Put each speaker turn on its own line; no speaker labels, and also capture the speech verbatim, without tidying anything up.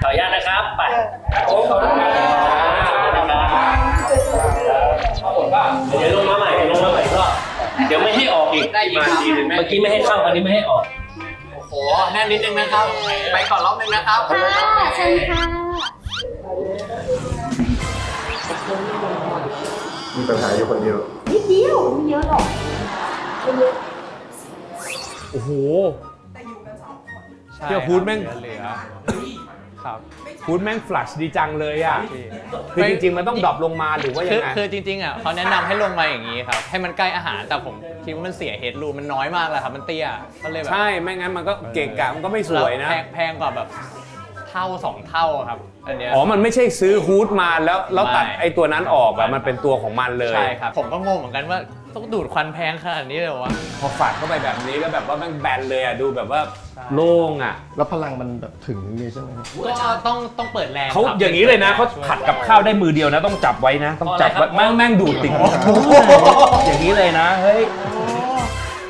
ขออนุญาตนะครับไปขอบคุณครับเดี๋ยวลงมาใหม่ลงมาใหม่ก็เดี๋ยวไม่ให้ออกอีกได้อีกทีนึงเมื่อกี้ไม่ให้เข้าอันนี้ไม่ให้ออก
โอ้โหแน่นนิดนึงนะครับไปก่อนรอบนึงนะครับ
ค่ะเชิญค่ะ
มีปัญหาอยู่คนเดียว
นิดเดียวไม่เยอะหรอกไม่เยอะ
โอ้โห
แต่อยู่กันสองคน
เที่ยวฟูดแม่งเหลือครับฟูดแม่งฟลัชดีจังเลยอ่ะคือจริงๆมันต้องดรอปลงมาหรือว่ายังไง
คือจริงๆอ่ะเขาแนะนำให้ลงมาอย่างนี้ครับให้มันใกล้อาหารแต่ผมคิดว่ามันเสียเฮดรูมมันน้อยมากเลยครับมันเตี้ยก็เลยแบบ
ใช่ไม่งั้นมันก็เกะกะมันก็ไม่สวยนะ
แพงกว่าแบบเท่าสองเท่าครับอันเนี้ย
อ๋อมันไม่ใช่ซื้อฮูดมาแล้วแล้วตัดไอ้ตัวนั้นออกอะมันเป็นตัวของมันเลย
ใช่ครับผมก็งงเหมือนกันว่าต้องดูดควันแพงขนาดนี้เลยวะ
พอฝัดเข้าไปแบบนี้แล้วแบบว่าแม่งแบนเลยอ่ะดูแบบว่าโล่งอ่ะ
แล้วพลังมันแบบถึงนี้ใช่ไหม
ก็ต้องต้องเปิดแรง
เขาอย่างนี้เลยนะเขาผัดกับข้าวได้มือเดียวนะต้องจับไว้นะต้องจับไว้แม่งแม่งดูดติดอย่างนี้เลยนะเฮ้ย